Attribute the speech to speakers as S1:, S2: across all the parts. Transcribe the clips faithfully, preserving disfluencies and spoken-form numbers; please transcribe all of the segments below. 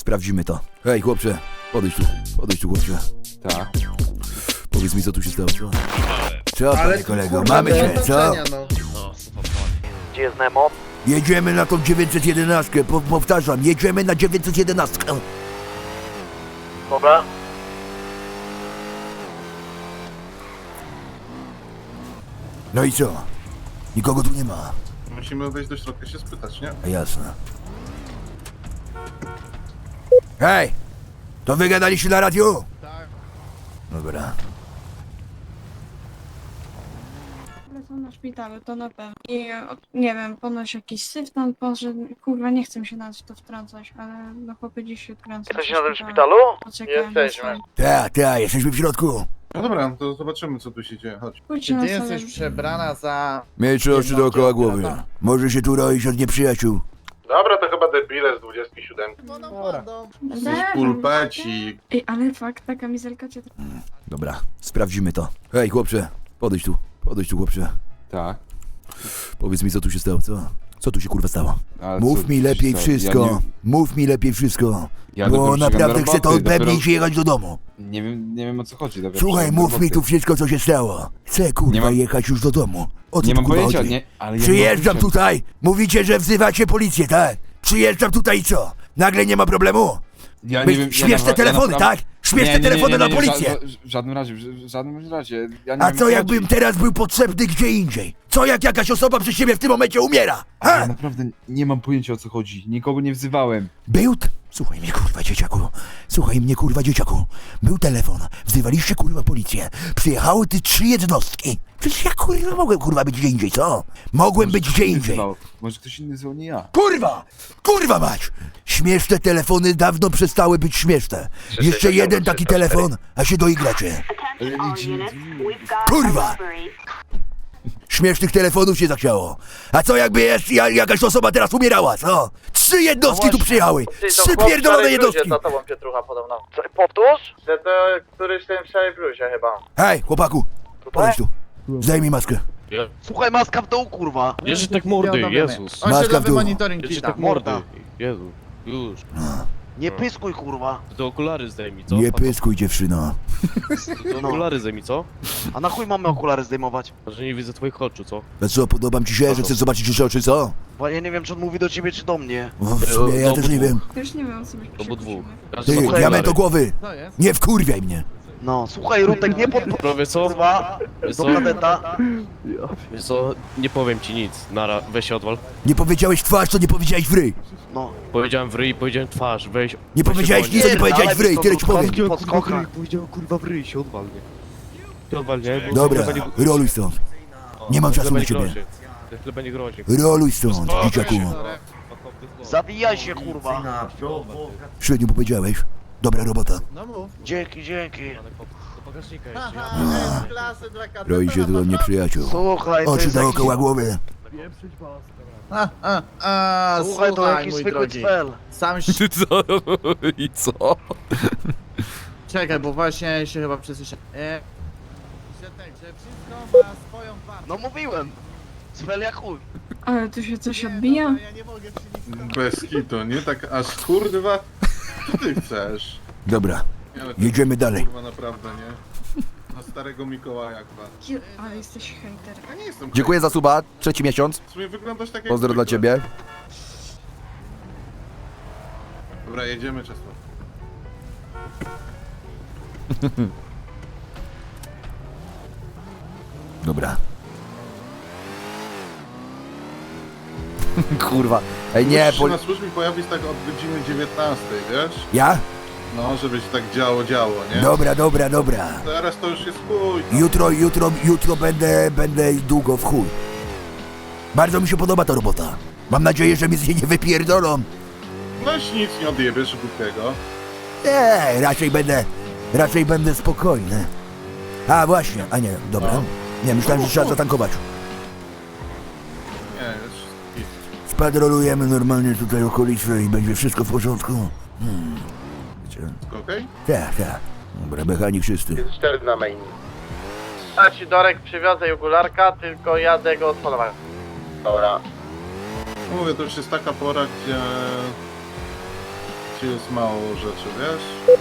S1: sprawdzimy to. Hej, chłopcze, podejdź tu, podejdź tu, chłopcze.
S2: Tak.
S1: Powiedz mi, co tu się stało, co? Co,
S3: Ale
S1: panie kolego,
S3: kurwa,
S1: mamy
S3: do
S1: cię, co?
S3: zobaczenia, no.
S4: Gdzie jest Nemo?
S1: Jedziemy na tą dziewięćset jedenaście, po, powtarzam, jedziemy na dziewięćset jedenaście.
S4: Dobra.
S1: No i co? Nikogo tu nie ma.
S3: Musimy wejść do środka się spytać, nie?
S1: A jasne. Hej! To wy gadaliście na radiu?
S3: Tak.
S1: Dobra.
S5: Lecą na szpitalu, to na pewno. I o, nie wiem, ponoć jakiś syf tam poszedł. Kurwa, nie chcę się nawet w to wtrącać, ale no chłopy dziś się odkręcą.
S4: Jesteś na tym szpitalu?
S5: Jesteśmy.
S1: Tak, tak, jesteśmy w środku.
S3: No dobra, to zobaczymy, co tu się dzieje. Chodź.
S5: Pójdźcie
S6: Czy
S5: na
S6: ty
S5: salę.
S6: jesteś przebrana za...
S1: Mieć oczy
S6: Jedną
S1: dookoła
S6: ciotkę,
S1: głowy.
S6: tak.
S1: Może się tu roić od nieprzyjaciół.
S3: Dobra, to chyba debile z dwudziestki siódemki.
S6: Dobra.
S3: Jesteś pulpeci.
S5: Ej, ale fakt, ta kamizelka cię...
S1: Dobra, sprawdzimy to. Hej, chłopcze, podejdź tu, podejdź tu, chłopcze.
S2: Tak.
S1: Powiedz mi, co tu się stało, co? Co tu się kurwa stało?
S2: Ale
S1: Mów
S2: co-
S1: mi lepiej
S2: co?
S1: wszystko,
S2: Ja nie,
S1: mów mi lepiej wszystko.
S2: ja
S1: Bo
S2: dopiero
S1: naprawdę
S2: ścigam do
S1: chcę to
S2: roboty,
S1: odbębnić
S2: dopiero-
S1: i jechać do domu.
S2: Nie wiem, nie wiem o co chodzi. dopiero
S1: Słuchaj,
S2: ścigam do
S1: mów mi
S2: roboty.
S1: tu wszystko, co się stało. Chcę kurwa
S2: Nie mam-
S1: jechać już do domu. O co
S2: Nie
S1: tu
S2: mam
S1: kurwa
S2: pojęcia,
S1: chodzi?
S2: nie, ale ja nie mam
S1: Przyjeżdżam
S2: pojęcia.
S1: tutaj, mówicie, że wzywacie policję, tak? Przyjeżdżam tutaj i co? Nagle nie ma problemu?
S2: Ja
S1: Myśl-
S2: nie wiem, ja
S1: śmieszne
S2: na-
S1: telefony,
S2: ja
S1: tak? Śmieszne telefony na policję.
S2: W, w żadnym razie, w, w żadnym razie. Ja nie
S1: A
S2: wiem,
S1: co
S2: o
S1: jakbym
S2: chodzi.
S1: teraz był potrzebny gdzie indziej? Co jak jakaś osoba przy siebie w tym momencie umiera?
S2: Ale
S1: Ha?
S2: ja naprawdę nie mam pojęcia o co chodzi. Nikogo nie wzywałem.
S1: Był... T- Słuchaj mnie kurwa dzieciaku. Słuchaj mnie kurwa dzieciaku. Był telefon. Wzywaliście kurwa policję. Przyjechały ty trzy jednostki. Przecież ja kurwa mogłem kurwa być gdzie indziej, co? Mogłem być gdzie indziej.
S2: Wzywał. Może ktoś inny zwał, nie ja.
S1: Kurwa! Kurwa mać! Śmieszne telefony dawno przestały być śmieszne. Jeszcze jeden taki telefon, a się doigracie. Kurwa! Śmiesznych telefonów się zachciało. A co jakby jest, ja, jakaś osoba teraz umierała, co? Trzy jednostki tu przyjechały! Trzy pierdolone jednostki!
S4: za tobą Pietrucha podobno. Co, powtórz? Że to któryś w tym szałej bluzie chyba.
S1: Hej, chłopaku! Podejdź tu. Zdejmij maskę.
S4: Słuchaj, maska w dół, kurwa.
S7: Bierzesz tak mordy, Jezus.
S6: On się
S1: Maska w
S6: nowy
S1: dół.
S6: monitoring
S7: Bierzesz
S6: ci da.
S7: tak mordy. Jezu, już.
S4: Nie pyskuj, kurwa.
S7: To te okulary zdejmij, co?
S1: Nie pyskuj, dziewczyno.
S7: To te okulary zdejmij, co?
S4: A na chuj mamy okulary zdejmować?
S7: Że nie widzę twoich oczu, co?
S1: A co, podobam ci się, że chcesz zobaczyć jeszcze oczy, co?
S4: Bo ja nie wiem, czy on mówi do ciebie, czy do mnie.
S1: W sumie ja
S7: Do
S1: też nie
S7: obydwu.
S1: wiem.
S5: Już nie wiem, o co my
S7: To
S5: się
S7: bo dwóch.
S5: kłócimy.
S7: Każdy
S1: Ty,
S7: ma
S1: diament
S7: okulary.
S1: do głowy!
S6: Co jest?
S1: Nie wkurwiaj mnie!
S4: No, słuchaj, Rutek, nie pod...
S7: No wiesz co?
S4: Kurwa,
S7: Wiesz
S4: do
S7: co?
S4: kadeta.
S7: Wiesz co? Nie powiem ci nic. Nara, weź się odwal.
S1: Nie powiedziałeś w twarz, to nie powiedziałeś w ryj!
S4: No.
S7: Powiedziałem w ryj, powiedziałem twarz, weź.
S1: Nie
S7: weź się
S1: powiedziałeś
S7: wolniej.
S1: nic, co nie powiedziałeś w ryj, tyle ci powiem.
S4: Pod skokach.
S7: Powiedziałem kurwa w ryj, się odwal, nie? Się odwal, nie? Bo
S1: Dobra,
S7: chleba nie-
S1: roluj stąd. Nie mam czasu
S7: chleba
S1: na
S7: nie
S1: ciebie.
S7: grozi. Chleba nie grozi.
S1: Roluj stąd, dzieciaku.
S4: Zawijaj się, kurwa.
S1: Średnio powiedziałeś. Dobra robota.
S6: No mów.
S4: Dzięki, dzięki.
S7: Do bagażnika jeszcze.
S6: Aha, klasy dla kadeta.
S1: Roi się tu od nieprzyjaciół.
S4: Słuchaj, to
S1: Oczy
S4: jest jakiś...
S1: dookoła głowy.
S6: A, a, a,
S4: Słuchaj, to
S6: słuchaj,
S4: jakiś
S6: mój
S4: zwykły
S6: drogi.
S4: cfel.
S6: Sam się...
S7: Co? I co?
S6: Czekaj, bo właśnie się chyba przesłyszałem. E... Że tak, że wszystko ma swoją wartość.
S4: No mówiłem. Cfel jak chuj.
S5: Ale tu się coś
S6: Nie,
S5: odbija?
S6: dobra, ja nie mogę przynieść.
S3: Bez kitu, nie? Tak aż kurwa. Co ty chcesz?
S1: Dobra,
S3: Nie, ale to
S1: jedziemy dalej.
S3: kurwa naprawdę, nie? Na starego Mikołaja chyba.
S5: Je- Ale jesteś hejter.
S3: Ja nie jestem
S8: Dziękuję za suba, trzeci miesiąc.
S3: W sumie wyglądasz tak jak
S8: Pozdro dla
S3: zwykle.
S8: ciebie.
S3: Dobra, jedziemy Czesław.
S1: Dobra.
S8: Kurwa. Ej, nie,
S3: Musisz
S8: bo...
S3: się na służbie pojawić tak od godziny dziewiętnastej, wiesz?
S1: Ja?
S3: No, żeby się tak działo, działo, nie?
S1: Dobra, dobra, dobra.
S3: Teraz to już jest chuj. tam.
S1: Jutro, jutro, jutro będę, będę długo w chuj. Bardzo mi się podoba ta robota. Mam nadzieję, że mi z niej nie wypierdolą.
S3: No już nic nie odjebiesz głupiego.
S1: Nie, raczej będę, raczej będę spokojny. A właśnie, a nie, dobra. Nie, myślałem, że trzeba zatankować.
S3: Nie, jest git.
S1: Spadrolujemy normalnie tutaj okolice i będzie wszystko w porządku. Hmm. Wiecie?
S3: Okej?
S1: Tak, tak. Dobra, mechanik czysty.
S4: cztery na main. A ci Dorek przywiozę okularka, tylko jadę go odpalować. Dobra.
S3: No mówię, to już jest taka pora, gdzie mieście jest mało rzeczy, wiesz?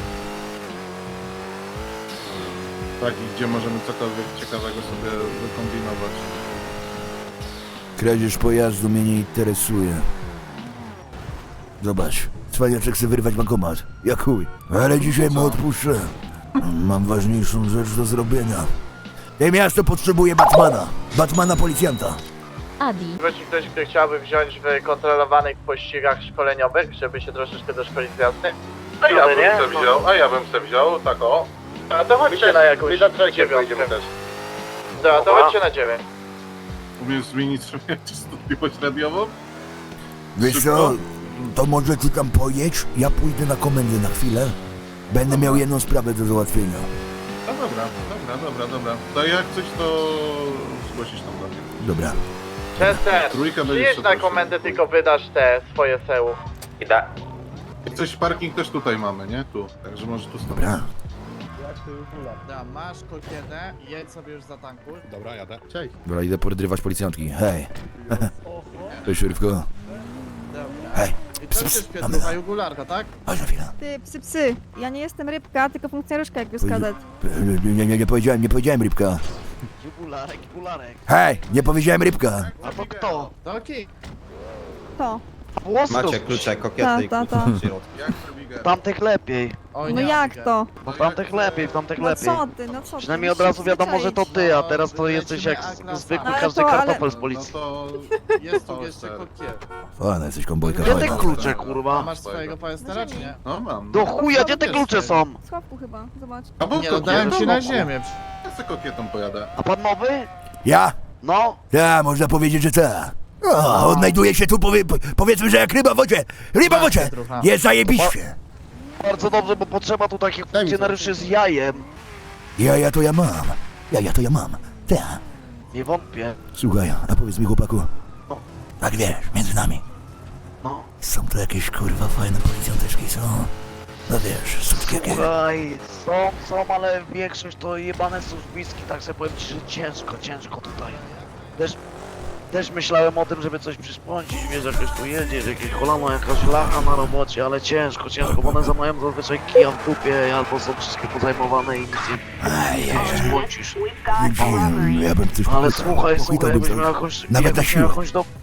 S3: Takich, gdzie możemy cokolwiek ciekawego sobie wykombinować.
S1: Kradzież pojazdu mnie nie interesuje. Zobacz, cwaniaczek chce wyrwać bankomat. Jak chuj. Ale dzisiaj mu odpuszczę. Mam ważniejszą rzecz do zrobienia. Te miasto potrzebuje Batmana. Batmana policjanta.
S9: Adi.
S4: Jeśli ktoś, kto chciałby wziąć w kontrolowanych pościgach szkoleniowych, żeby się troszeczkę doszkolić z jazdy?
S3: A ja
S4: nie?
S3: bym se wziął, a ja bym se wziął, tak o.
S4: A to chodźcie na jakąś dziewiątkę.
S3: też.
S4: Dobra, to chodźcie na dziewięć.
S3: Umiesz zmienić sobie częstotliwość radiową?
S1: Wiesz
S3: Szybko?
S1: co, to może ty tam pojedź, ja pójdę na komendę na chwilę. Będę miał jedną sprawę do załatwienia.
S3: No dobra, dobra, dobra, dobra. To jak coś, to zgłosisz tam do mnie.
S1: Dobra.
S4: Chester,
S3: Trójka będzie
S4: przyjedź na
S3: super.
S4: komendę, tylko wydasz te swoje seł. Idę.
S3: Jak coś, parking też tutaj mamy, nie? Tu, także może tu stąd.
S1: Dobra.
S6: Dobra, masz kokietę, jedź sobie już za tanku.
S3: Dobra, jadę. Cześć.
S1: Dobra, idę podrywać policjantki. Hej. Cześć, szyrywko.
S6: Dobra.
S1: Hej.
S6: I to się świetlucha jugularka, tak?
S1: Chodź na chwilę.
S9: Ty, psy, psy. Ja nie jestem rybka, tylko funkcjonariuszka jak już kadet.
S1: Nie, nie, nie, nie powiedziałem, nie powiedziałem rybka.
S6: Jugularek, jugularek.
S1: Hej, nie powiedziałem rybka.
S6: A to kto? To okej.
S9: To.
S10: Macie klucze,
S9: Ta,
S10: kokiety i
S9: ta,
S10: klucze
S9: ta.
S10: w środku.
S3: Jak Rubiger?
S11: Tamtych lepiej.
S6: Oj,
S9: No
S6: nie,
S9: jak
S6: Abigail.
S9: to?
S11: No tamtych lepiej, w tamtych
S9: No
S11: lepiej.
S9: co ty, no co ty?
S11: Przynajmniej od
S9: musisz
S11: razu wiadomo, że to ty, a teraz to
S6: No,
S11: jesteś jak
S6: lecimy
S11: zwykły
S9: Ale
S11: każdy
S9: to, ale-
S11: kartofel z
S3: No
S11: policji.
S3: to...
S6: Jest tu
S3: to
S6: jeszcze
S3: ser.
S6: kokiet.
S1: Fajna jesteś kombojka,
S11: Gdzie te
S1: fajna.
S11: klucze,
S6: A
S11: kurwa?
S6: masz swojego pojestera, czy nie?
S3: No mam.
S11: Do chuja, gdzie te klucze są?
S9: W schowku chyba, zobacz.
S3: A bo
S6: Nie, no dałem ci na ziemię.
S3: Ja se kokietą pojadę.
S11: A pan nowy?
S1: Ja?
S11: No.
S1: Ja, można powiedzieć, że ta. O, odnajduje się tu, powie, po- powiedzmy, że jak ryba w wodzie. Ryba w wodzie! Jest zajebiście.
S11: Bardzo dobrze, bo potrzeba tu takich funkcjonariuszy z jajem.
S1: Ja, ja to ja mam. Ja, ja to ja mam. Ta.
S11: Nie wątpię.
S1: Słuchaj, a powiedz mi, chłopaku.
S11: No.
S1: Tak wiesz, między nami.
S11: No.
S1: Są to jakieś kurwa fajne policjanteczki, są. No wiesz, sutki jakie.
S11: Słuchaj, są, są, ale większość to jebane służbiski, tak sobie powiem ci, że ciężko, ciężko tutaj. Też, też myślałem o tym, żeby coś przyspącić, wiesz, jakoś tu jedziesz, jakieś kolano, jakaś lacha na robocie, ale ciężko, ciężko, bo one za mają zazwyczaj kija w dupie, albo są wszystkie pozajmowane i nic
S1: Aj,
S11: nie przyspącisz.
S1: ja, ja bym coś
S11: Ale
S1: pochwytał,
S11: słuchaj, słuchaj,
S1: pochwytałbym
S11: jakbyś
S1: coś.
S11: miał jakąś...
S1: Nawet na
S11: jakbyś
S1: siłę.
S11: miał jakąś do...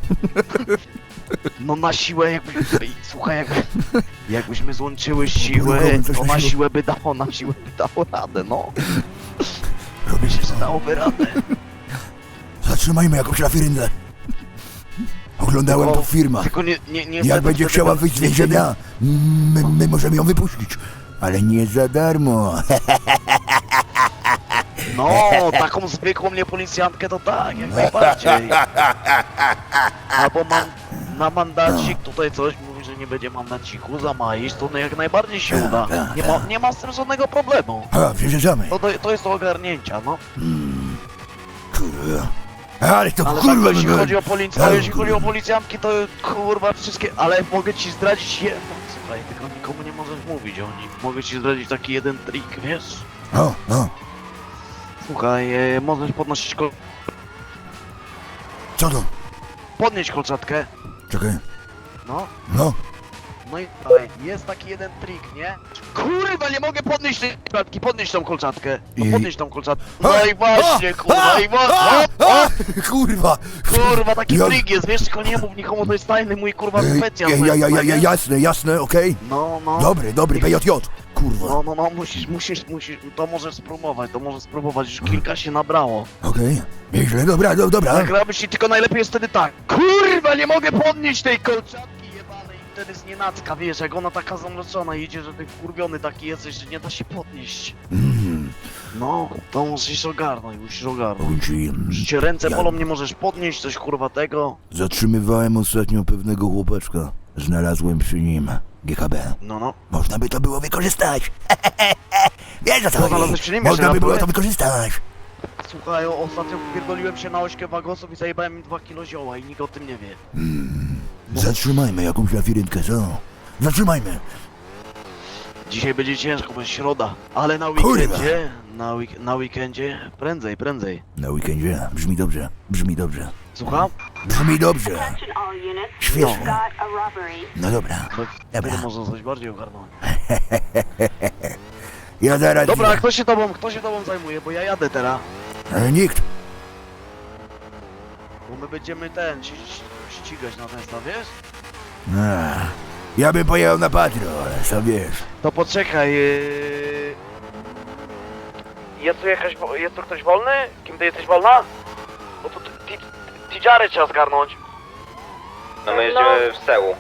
S11: No na siłę jakbyś... Słuchaj, jak... jakbyśmy złączyły siły,
S1: Próbowałem coś
S11: to
S1: na
S11: na
S1: siłę.
S11: siłę by dało, na siłę by dało radę, no. Myślę, że dałoby radę.
S1: Zatrzymajmy jakąś lafiryndę. Oglądałem
S11: Tylko-
S1: to w firmach.
S11: Tylko nie, nie, nie
S1: Jak będzie chciała wyjść z więzienia, my, my możemy ją wypuścić. Ale nie za darmo.
S11: No, taką zwykłą nie policjantkę to tak, jak najbardziej. Albo mam na mandacik tutaj coś, mówi, że nie będzie mandaciku za majisz, to jak najbardziej się uda. Nie ma, nie ma z tym żadnego problemu.
S1: A, przejeżdżamy.
S11: To, to, to jest do ogarnięcia, no.
S1: Kurwa. Ale to
S11: Ale
S1: kurwa
S11: tak, jeśli
S1: no,
S11: chodzi o policję,
S1: Ale
S11: jeśli chodzi o
S1: kurwa.
S11: policjantki, to kurwa wszystkie, ale mogę ci zdradzić jedno, słuchaj, tylko nikomu nie możesz mówić o nim. Mogę ci zdradzić taki jeden trik, wiesz?
S1: O, o,
S11: Słuchaj, e, możesz podnosić kol...
S1: co to?
S11: podnieść kolczatkę,
S1: Czekaj.
S11: no.
S1: No,
S11: No i dalej, jest taki jeden trik, nie? Kurwa, nie mogę podnieść tej kolczatki, podnieść tą kolczatkę. No
S1: I-
S11: podnieść tą kolczatkę. No
S1: A,
S11: i właśnie,
S1: a,
S11: kurwa, i
S1: a,
S11: właśnie.
S1: a, kurwa.
S11: Kurwa, taki
S1: Ja-
S11: trik jest, wiesz, tylko nie mów nikomu, to jest tajny mój kurwa
S1: Ej,
S11: specjal.
S1: ja, ja, ja, ja, ja,
S11: nie?
S1: jasne, jasne, okej.
S11: No, no.
S1: Dobry, dobry, P J J. Kurwa.
S11: No, no, no, musisz, musisz, musisz, to możesz spróbować, to możesz spróbować, już kilka się nabrało.
S1: Okej. Nieźle, dobra, do, dobra.
S11: Tak robisz i tylko najlepiej jest wtedy tak. Kurwa, nie mogę podnieść tej kolczatki jebanej i wtedy z nienacka, wiesz, jak ona taka zamroczona idzie, że ty wkurwiony taki jesteś, że nie da się podnieść.
S1: Mm,
S11: No, to musisz ogarnąć, musisz ogarnąć.
S1: powiem ci, mm,
S11: Że cię ręce
S1: Ja-
S11: bolą, nie możesz podnieść coś kurwa tego.
S1: zatrzymywałem ostatnio pewnego chłopaczka. Znalazłem przy nim G K B.
S11: No, no.
S1: Można by to było wykorzystać. Wiesz o co
S11: Co
S1: chodzi?
S11: znalazłeś przy nim?
S1: Można
S11: Jeszcze
S1: by było
S11: raz
S1: to wykorzystać.
S11: Słuchaj, o- ostatnio pierdoliłem się na ośkę wagosów i zajebałem im dwa kilo zioła i nikt o tym nie wie.
S1: Mm, zatrzymajmy jakąś lafirynkę, co? Zatrzymajmy.
S11: Dzisiaj będzie ciężko, bo jest środa, ale na
S1: Kurwa.
S11: weekendzie, na, week na weekendzie, prędzej, prędzej.
S1: Na weekendzie. Brzmi dobrze, brzmi dobrze.
S11: Słucham?
S1: Brzmi dobrze. Świetnie. No dobra,
S11: No,
S1: dobra.
S11: tyle można coś bardziej ogarnąć.
S1: Ja zaraz...
S11: Dobra, kto się tobą, kto się tobą zajmuje, bo ja jadę teraz.
S1: E, Nikt.
S11: Bo my będziemy ten, ści- ści- ścigać na ten staw, wiesz?
S1: A, ja bym pojechał na patrol, ale sam wiesz.
S11: To poczekaj, yy... Jest tu jakaś, wo- jest tu ktoś wolny? Kim ty jesteś wolna? Bo tu Tidżary trzeba zgarnąć.
S4: No my jedziemy
S7: w Sełu.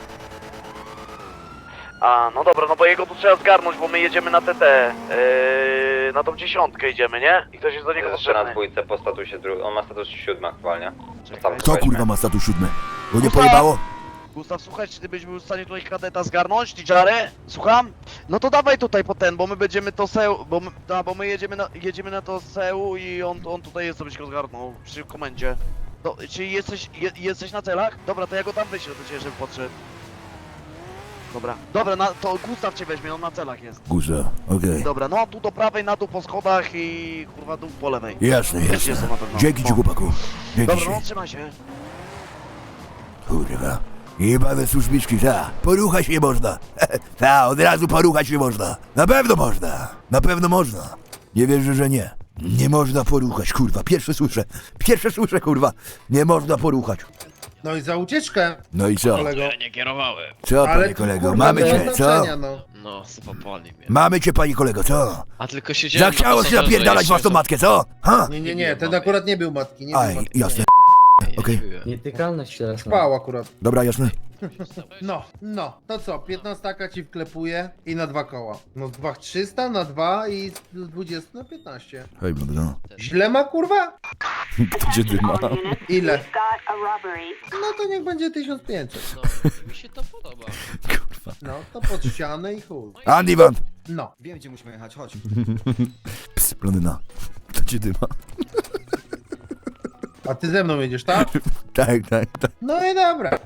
S11: A, no dobra, no bo jego tu trzeba zgarnąć, bo my jedziemy na T T. Yy, na tą dziesiątkę idziemy, nie? I ktoś jest do niego potrzebny.
S7: dwójce po statusie drugim. On ma status siódmy aktualnie.
S11: Czekaj.
S1: Kto kurwa ma status siódmy? Bo nie
S11: Gustaw!
S1: pojebało?
S11: Gustaw, słuchaj, czy ty byś był w stanie tutaj kadeta zgarnąć, Tidżary? Słucham? No to dawaj tutaj po ten, bo my będziemy to seł, bo my, da, bo my jedziemy na, jedziemy na to seł i on, on tutaj jest, żebyś go zgarnął przy komendzie. To, czy jesteś, je, jesteś na celach? Dobra, to ja go tam wyślę do ciebie, żeby podszedł. Dobra, dobra, na, to Gustaw cię weźmie, on na celach jest.
S1: Guza, okej.
S11: Dobra, no tu do prawej, na dół po schodach i kurwa dół po lewej.
S1: Jasne,
S11: Wiesz,
S1: jasne.
S11: jest to na pewno.
S1: Dzięki ci,
S11: No.
S1: chłopaku. Dzięki
S11: Dobra, no
S1: ci.
S11: trzymaj się.
S1: Kurwa. Jebane służbiczki, ta. Poruchać nie można. Ta, od razu poruchać nie można. Na pewno można. Na pewno można. Nie wierzę, że nie. Nie można poruchać, kurwa. Pierwsze słyszę. Pierwsze słyszę, kurwa. Nie można poruchać.
S10: No i za ucieczkę,
S1: No i co?
S10: kolego.
S7: nie kierowałem.
S1: Co,
S10: Ale
S1: panie
S10: tu,
S1: kolego?
S10: kurwa,
S1: Mamy
S10: bez
S1: cię, co?
S10: oznaczenia, no.
S7: No, zapopali mnie.
S1: Mamy cię, panie kolego, co?
S7: A tylko siedziałem...
S1: Zachciało się napierdalać własną matkę, co? Ha?
S10: Nie, nie, nie, ten akurat nie był matki, nie był
S1: Aj,
S10: matki.
S1: jasne. Okej.
S6: Nietykalność teraz.
S10: Spał akurat.
S1: Dobra, jasne.
S10: No, no, to co, piętnastaka ci wklepuje i na dwa koła. No dwa trzysta na dwa i z dwudziestu na piętnaście.
S1: Hej, no.
S10: Źle ma kurwa?
S1: Gdzie ty ma?
S10: Ile? No to niech będzie tysiąc pięćset.
S7: Mi się to podoba.
S1: Kurwa.
S10: No, to pod ścianę i chuj.
S1: Andy Van.
S10: No.
S2: Wiem, gdzie musimy jechać, chodź.
S1: Ps, blondyna. To cię dyma.
S10: A ty ze mną jedziesz, tak?
S1: Tak, tak, tak.
S10: No i dobra.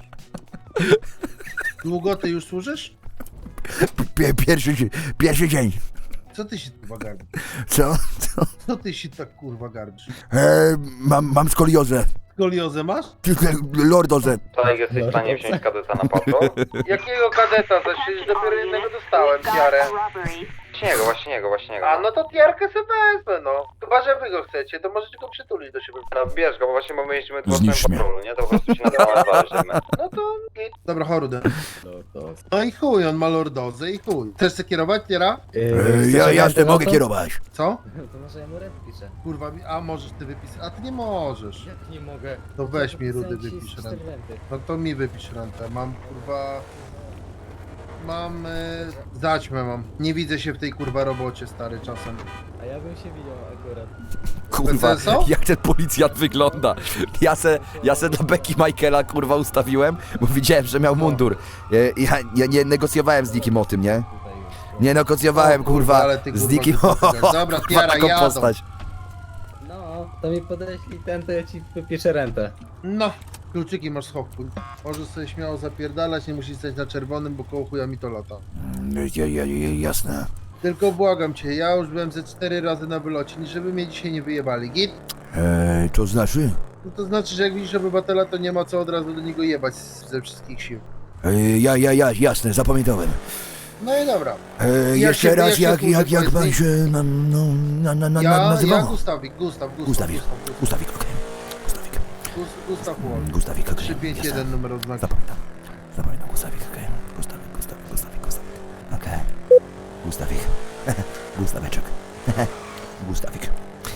S10: Długo ty już służysz?
S1: Pie, pierwszy, dzie- pierwszy dzień.
S10: Co ty się kurwa garbisz?
S1: Co? Co?
S10: Co ty się tak kurwa garbisz?
S1: E, mam, mam skoliozę.
S10: Skoliozę masz?
S1: Tylko lordozę.
S7: To jak jesteś w stanie wziąć kadeta na patrol?
S4: Jakiego kadeta? To przecież dopiero jednego dostałem, tiarę.
S7: Właśnie jego, właśnie jego, właśnie jego.
S4: A no to tiarkę sobie wezmę, no. Chyba, że wy go chcecie, to możecie go przytulić do siebie.
S7: No bierz go, bo właśnie bo my jeździmy tu
S1: Zniszcz
S7: w
S1: mnie.
S7: patrolu, nie? To po prostu się na temat zależymy.
S4: No to git.
S10: Dobra, chorudę. No i chuj, on ma lordozę i chuj. Chcesz się kierować, Tiera?
S1: E, ja jasne mogę kierować.
S10: Co?
S6: To może ja mu rep piszę.
S10: Kurwa, mi- a możesz ty wypisać? A ty nie możesz.
S6: Jak nie mogę?
S10: To weź mi rudy, wypisz rentę. No to mi wypisz rentę. Mam kurwa... Mam... E, zaćmę mam. Nie widzę się w tej kurwa robocie, stary, czasem.
S6: A ja bym się widział akurat.
S8: Kurwa,
S10: P C S O?
S8: jak ten policjant wygląda. Ja se, ja se dla Becky Michaela kurwa ustawiłem, bo widziałem, że miał mundur. E, Ja, ja nie negocjowałem z nikim o tym, nie? Nie negocjowałem
S10: O kurwa,
S8: kurwa
S10: ale ty,
S8: z
S10: kurwa,
S8: nikim
S10: głupi
S8: o,
S10: gadasz. Dobra,
S8: kurwa,
S10: Tiara,
S8: taką
S10: jadą.
S8: postać.
S6: No, to mi podeślij ten, to ja ci wypiszę rentę.
S10: No, kluczyki masz schowku. Możesz sobie śmiało zapierdalać, nie musisz stać na czerwonym, bo koło chuja mi to lata.
S1: Ja, ja, ja, jasne.
S10: Tylko błagam cię, ja już byłem ze cztery razy na wylocie, żeby mnie dzisiaj nie wyjebali. Git?
S1: E, to znaczy?
S10: No to znaczy, że jak widzisz obywatela, to nie ma co od razu do niego jebać ze wszystkich sił.
S1: E, ja, ja, ja, jasne, zapamiętałem.
S10: No i dobra.
S1: E,
S10: Jak
S1: jeszcze
S10: się-
S1: raz,
S10: jak się
S1: jak, jak, jak
S10: służy,
S1: pan
S10: powiedz
S1: się na, no, na, na, na,
S10: Ja, ja
S1: nazywał?
S10: Gustawik, Gustaw, Gustaw,
S1: Gustawik,
S10: Gustaw,
S1: Gustawik, okej. Gustawik.
S10: Gus- Gustaw Łon.
S1: Gustawik, okej.
S10: trzy pięć jeden
S1: jasne.
S10: numer odznaki.
S1: Zapamiętam. Zapamiętam, Gustawik, okej. Gustawik, Gustawik, Gustawik, Gustawik. Okej. Gustawik. Gustaweczek. Gustawik.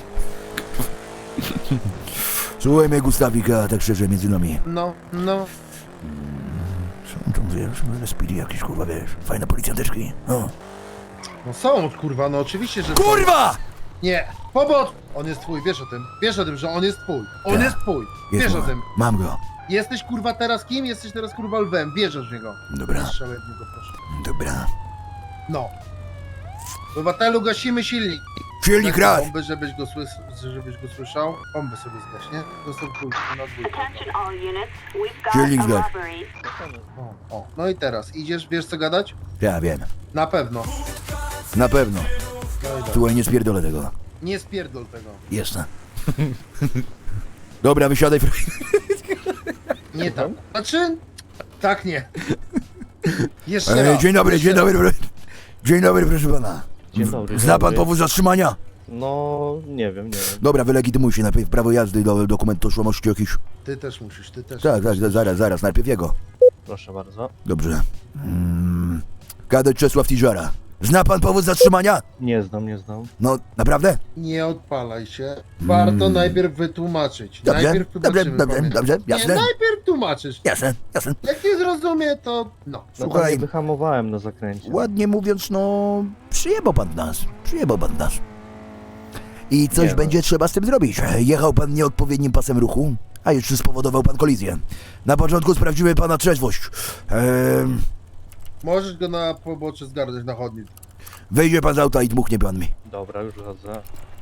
S1: Słuchaj mnie, Gustawika, tak szczerze, między nami.
S10: No, no.
S1: Są tam, wiesz, speedy jakieś, kurwa, wiesz, fajne policjanteczki. No.
S10: No są, kurwa, no oczywiście, że są.
S1: Kurwa!
S10: Nie, pobot! On jest twój, wiesz o tym. Wiesz o tym, że on jest twój. On
S1: Tak.
S10: jest twój.
S1: Jest
S10: Wiesz o
S1: mój.
S10: tym.
S1: Mam go.
S10: Jesteś kurwa teraz kim? Jesteś teraz kurwa lwem. Bierzesz w niego.
S1: Dobra,
S10: Strzelaj w niego, proszę.
S1: dobra.
S10: No. Obywatelu, gasimy silnik.
S1: Silnik
S10: Tak,
S1: raz!
S10: Bomby, żebyś go, słys żebyś go słyszał. Bombę sobie zgaś, nie? Zostaw dwójkę na dwójkę.
S1: Silnik zgaś.
S10: O, o. No i teraz, idziesz, wiesz co gadać?
S1: Ja wiem.
S10: Na pewno.
S1: Na pewno.
S10: No i dobra.
S1: Słuchaj, nie spierdolę tego.
S10: Nie spierdol tego.
S1: Jasne.
S8: Dobra, wysiadaj.
S10: Nie tak. Znaczy, tak nie. Jeszcze
S8: E,
S10: raz.
S8: dzień dobry,
S10: jeszcze
S8: dzień dobry. pro- Dzień dobry, proszę pana.
S7: Dzień dobry,
S8: Zna
S7: dzień
S8: pan
S7: dobry.
S8: powód zatrzymania?
S7: No, nie wiem, nie wiem.
S8: Dobra, wylegitymuj się najpierw prawo jazdy, do, dokument tożsamości jakiś.
S10: Ty też musisz, ty też.
S8: Tak, tak, zaraz, zaraz, najpierw jego.
S7: Proszę bardzo.
S8: Dobrze. Mm, kadet Czesław Tiżara. Zna pan powód zatrzymania?
S7: Nie znam, nie znam.
S8: No, naprawdę?
S10: Nie odpalaj się. Warto najpierw wytłumaczyć.
S8: Dobrze,
S10: najpierw
S8: dobrze,
S10: tłumaczymy,
S8: dobrze,
S10: pamiętaj.
S8: dobrze,
S10: Nie,
S8: jasne.
S10: najpierw tłumaczysz.
S8: Jasne, jasne.
S10: Jak nie zrozumie, to no.
S8: Słuchaj,
S7: wyhamowałem na zakręcie.
S8: ładnie mówiąc, no, przyjebał pan nas, przyjebał pan nas. I coś
S7: Nie no.
S8: będzie trzeba z tym zrobić. Jechał pan nieodpowiednim pasem ruchu, a jeszcze spowodował pan kolizję. Na początku sprawdziły pana trzeźwość. Ehm,
S10: Możesz go na pobocze zgarnąć na chodnik.
S8: wyjdzie pan z auta i dmuchnie pan mi.
S7: Dobra, już chodzę.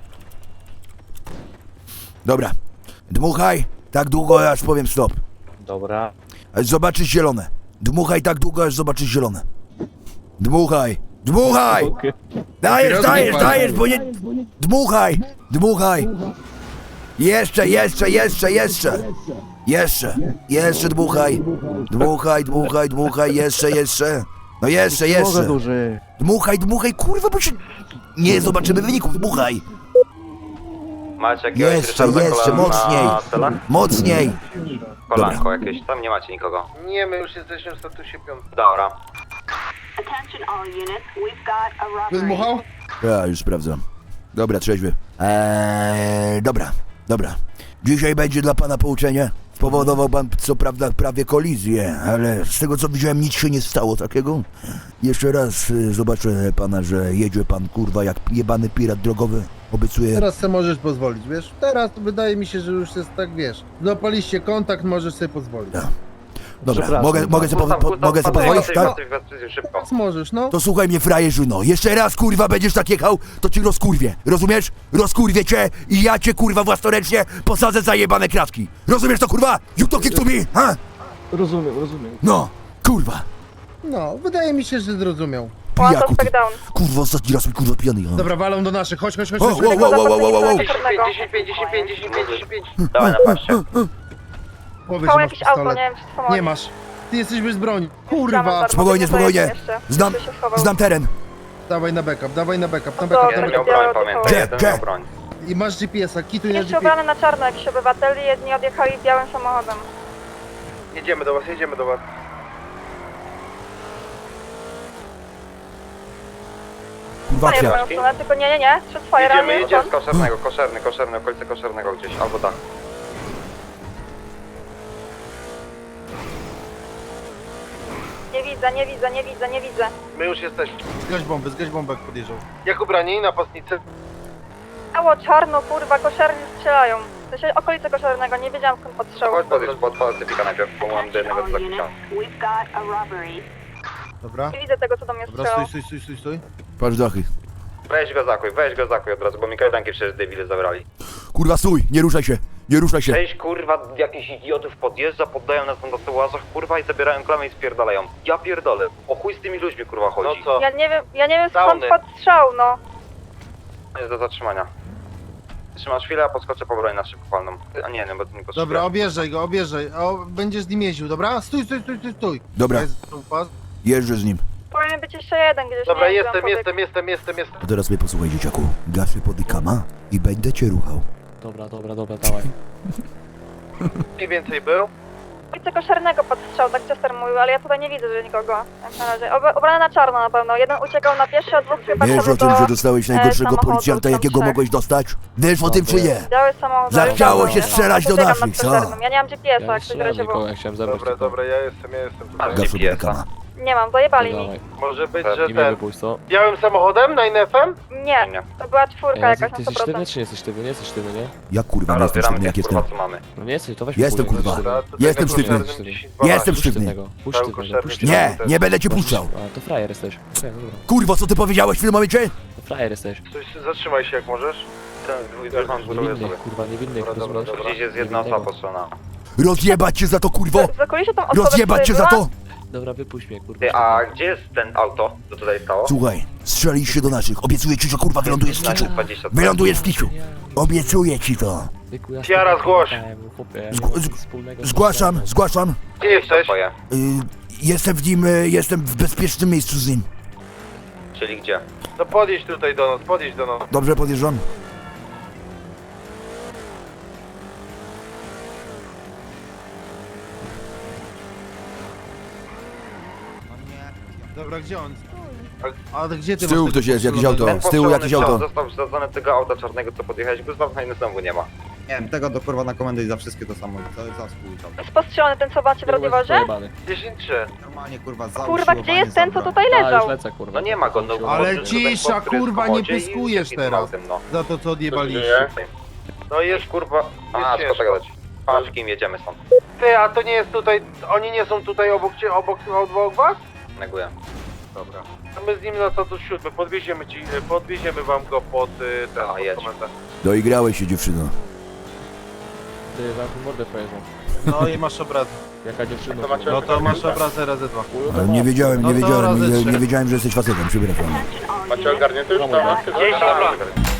S8: Dobra, dmuchaj tak długo, aż powiem stop.
S7: Dobra.
S8: Aż zobaczysz zielone. Dmuchaj tak długo, aż zobaczysz zielone. Dmuchaj, dmuchaj!
S7: Okej.
S8: Dajesz,
S10: Papierosy
S8: dajesz,
S10: nie
S8: dajesz, bo nie... Dmuchaj, dmuchaj. Jeszcze, jeszcze, jeszcze, jeszcze. Jeszcze, jeszcze dmuchaj. Dmuchaj, dmuchaj, dmuchaj, jeszcze, jeszcze. No jeszcze,
S7: Mogę
S8: jeszcze.
S7: dłużej.
S8: Dmuchaj, dmuchaj, kurwa, bo się... Nie zobaczymy wyników, dmuchaj.
S12: Macie jakiegoś
S8: Jeszcze,
S12: Ryszarda
S8: jeszcze,
S12: Kolana
S8: mocniej.
S12: na celach?
S8: Mocniej.
S12: Kolanko jakieś, tam nie macie nikogo.
S4: Nie, my już jesteśmy w statusie piątym.
S12: Dobra.
S10: Wydmuchał?
S8: Ja już sprawdzam. Dobra, trzeźwy. Eee, dobra, dobra. Dzisiaj będzie dla pana pouczenie. Spowodował pan co prawda prawie kolizję, ale z tego co widziałem nic się nie stało takiego. Jeszcze raz y, zobaczę pana, że jedzie pan kurwa jak jebany pirat drogowy. Obiecuję.
S10: Teraz sobie możesz pozwolić, wiesz? Teraz to wydaje mi się, że już jest tak, wiesz. Złapaliście kontakt, możesz sobie pozwolić.
S8: Tak. Dobra,
S7: Przepraszam.
S8: mogę, mogę sobie po, po, mogę sobie pozwolić, tak?
S12: Szybko.
S10: Teraz możesz, no.
S8: To słuchaj mnie frajerzu, no. Jeszcze raz kurwa będziesz tak jechał, to ci rozkurwię. Rozumiesz? Rozkurwię cię i ja cię kurwa własnoręcznie posadzę za jebane kratki. Rozumiesz to kurwa? You talking to me, ha?
S7: Rozumiem, rozumiem.
S8: No, kurwa.
S10: No, wydaje mi się, że zrozumiał.
S8: Pijaku ty. Kurwa, ostatni raz mi kurwa pijany jechałem.
S10: Dobra, walą do naszych, chodź, chodź, chodź,
S8: O,
S10: chodź.
S8: wow, wow, wow, wow, wow, wow.
S4: dziesięć pięć, dziesięć pięć, dziesięć pięć, dziesięć pięć, dziesięć pięć.
S12: Dawaj na paście.
S10: Powiedz, że masz pistolet.
S9: nie wiem czy to
S10: Nie masz. Ty jesteś bez broni. Kurwa.
S8: Spokojnie, spokojnie. Znam, znam teren.
S10: Dawaj na backup, dawaj na backup, na
S9: Dobra.
S10: backup.
S12: Jeden
S10: Na
S12: miał
S10: backup.
S12: broń, pamiętaj,
S8: Gdzie?
S12: jeden
S8: Gdzie?
S12: miał broń.
S10: I masz G P S-a, kituj na
S9: Jeszcze
S10: G P S.
S9: ubrany na czarno jakiś obywateli, jedni odjechali białym samochodem.
S4: Jedziemy do was, jedziemy do was.
S8: Kurwa,
S9: Nie w moją
S8: kwiat.
S9: stronę, tylko nie, nie, nie, trzy twoje
S12: Jedziemy,
S9: ramy,
S12: jedziemy z koszernego, koszerny, koszerny, okolice koszernego gdzieś, albo tak.
S9: Nie widzę, nie widzę, nie widzę, nie widzę.
S4: My już jesteśmy.
S10: Zgaś bombę, zgaś bombę jak podjeżdżał.
S4: Jak ubrani, napastnicy?
S9: Biało, czarno, kurwa, koszerni strzelają. W sensie okolice koszernego, nie wiedziałam skąd podstrzał.
S12: Chodź podejść pod pacyfika najpierw, bo mam do jednego do zakucia.
S10: Dobra.
S9: Nie widzę tego, co do mnie
S10: Dobra,
S9: strzelało.
S10: stój, stój, stój, stój, stój.
S8: Patrz dachy.
S12: Weź go zakuj, weź go zakuj od razu, bo mi kajdanki przecież debile zabrali.
S8: Kurwa, stój, nie ruszaj się, nie ruszaj się.
S12: Cześć kurwa, jakichś idiotów podjeżdża, poddają nas na tyłazach kurwa i zabierają klamę i spierdalają. Ja pierdolę, o chuj z tymi ludźmi kurwa chodzi.
S4: No co?
S9: Ja nie wiem, ja nie wiem skąd
S4: Downy.
S9: podstrzał, no.
S12: Jest do zatrzymania. Trzymasz chwilę, a podskoczę po broń na szybkopalną. A nie, no bo to nie potrzebuję.
S10: Dobra, objeżdżaj go, objeżdżaj. O, będziesz z nim jeździł, dobra? Stój, stój, stój, stój, stój.
S8: Dobra,
S10: Jest pas.
S8: jeżdżę z nim.
S9: Powinien być jeszcze jeden gdzieś.
S4: Dobra,
S9: nie wiem,
S4: jestem,
S9: gdzie on
S4: jestem, jestem, jestem, jestem.
S8: A teraz mnie posłuchaj, dzieciaku. Gaszę podykama i będę cię ruchał.
S7: Dobra, dobra, dobra, dawaj.
S4: Mniej więcej był.
S9: Okolice koszernego podstrzał, tak Chester mówił, ale ja tutaj nie widzę, że nikogo. Jak na razie. Ob ubrany na czarno na pewno. Jeden uciekał na pieszo, a dwóch chyba
S8: Wiesz o
S9: szedł
S8: tym,
S9: do
S8: że dostałeś najgorszego
S9: samochodu,
S8: policjanta,
S9: tam
S8: jakiego
S9: trzech.
S8: mogłeś dostać? Wiesz o tym, czy nie?
S9: biały samochód.
S8: Zachciało
S9: biały
S8: się
S9: samochód.
S8: strzelać do
S9: Poczekam nad
S8: naszych, co?
S9: koszernym. Ja nie mam G P S-a, jak coś w razie było.
S7: ja chciałem zabrać
S4: Dobra, dobra, ja jestem, ja jestem tutaj.
S8: Gaszę podykama.
S9: Nie mam, dojebali mi.
S7: Dawaj.
S4: Może być,
S12: Tak,
S4: że
S7: I mnie
S4: ten...
S7: wypuść, co?
S4: Białym samochodem na N F-em?
S9: Nie,
S12: Nie.
S9: to była czwórka
S7: Ej,
S9: jakaś
S7: ty
S9: na
S7: jesteś
S9: sto
S7: sztywny,
S9: procent.
S7: czy nie jesteś sztywny? Nie jesteś sztywny, nie?
S8: Jak kurwa, nie
S12: Dobra,
S8: jestem
S12: zbieramy
S8: sztywny, jak
S12: tych
S8: jestem?
S12: kurwa co mamy.
S7: No nie jesteś, to weź
S8: Jestem,
S7: popój,
S8: kurwa.
S7: weź
S4: Dobra,
S7: sztywny.
S4: to
S8: Jestem
S4: tego
S8: sztywny.
S4: koszernym dziesięć
S8: Nie jestem
S7: Puść
S8: sztywny.
S7: sztywnego, puść
S4: Cały
S7: sztywnego,
S4: koszerny
S7: puść
S4: dziesięć.
S8: Nie,
S7: sztywnego.
S8: nie będę cię puszczał.
S7: A, to frajer jesteś. Okej, dobra.
S8: Kurwo, co ty powiedziałeś w tym momencie?
S7: To frajer jesteś.
S4: Coś, zatrzymaj się jak możesz.
S12: Ten dwój, mam dwóch
S7: Niewinny,
S12: osoby.
S7: kurwa, niewinny,
S4: Dobra, dobra,
S7: rozumiesz?
S4: dobra.
S12: Gdzieś jest jedna osoba postrzelona.
S8: Rozjebać cię za to, kurwo!
S9: W okolicy tą osobę,
S8: Rozjebać cię za
S9: która
S8: to!
S7: Dobra, wypuść mnie, kurwa.
S12: Ty, a gdzie jest ten auto, co tutaj stało?
S8: Słuchaj,
S1: Strzelaliście do naszych. Obiecuję ci, że kurwa wylądujesz w kiczu.
S12: dwadzieścia
S1: Wylądujesz w kiczu. Obiecuję ci to.
S4: Tiara, zgłoś.
S1: Zg- zg- zgłaszam, zgłaszam.
S4: Gdzie jesteś?
S12: Twoje.
S1: Y, jestem w nim, y, jestem w bezpiecznym miejscu z nim.
S12: Czyli gdzie?
S4: No podjedź tutaj do nas, podjedź do nas.
S1: Dobrze, podjeżdżam.
S6: Dobra, gdzie on? A, a gdzie ty
S8: Z tyłu
S6: masz
S8: ktoś
S6: tego
S8: jest, jakieś
S6: postrzelonego?
S8: auto. Z tyłu jakieś auto.
S12: Został wsadzony tego auta czarnego, co podjechałeś, go znów znowu nie ma.
S6: Nie wiem, tego do kurwa na komendę i za wszystkie to samo. To jest za współczał.
S9: Spostrzelony ten, co macie w radiowozie?
S4: dziesięć trzy.
S6: Normalnie kurwa za
S9: Kurwa, gdzie jest ten, co tutaj leżał?
S12: No nie ma go, no
S10: Ale
S12: bo-
S10: cisza,
S12: ten chłop, który jest w
S10: kurwa, nie
S12: komodzie i
S10: pyskujesz
S12: z
S10: teraz.
S12: autem, no.
S10: Za to, co odjebaliście.
S4: No jest,
S12: Kurwa, a,
S4: ciężko.
S12: co gadać. Patrz, kim jedziemy stąd.
S4: ty, a to nie jest tutaj, oni nie są tutaj obok cię, obok, obok was?
S12: Neguję.
S4: Dobra. A my z nim na status siódmy, podwieziemy ci, podwieziemy wam go pod y, ten,
S12: A,
S4: pod
S12: jedź.
S4: komendę.
S8: Doigrałeś się, dziewczyno.
S7: Ty, zamknij mordę pojeżdżą.
S10: No i masz obraz.
S7: Jaka dziewczyna?
S10: No to masz obrazę razy dwa.
S1: Ale nie wiedziałem,
S10: No
S1: nie
S10: to
S1: wiedziałem,
S10: razy
S1: nie,
S10: trzy.
S1: nie wiedziałem, że jesteś facetem, przepraszam.
S3: Macie ogarnięte już, prawda?
S4: Dzień dobry.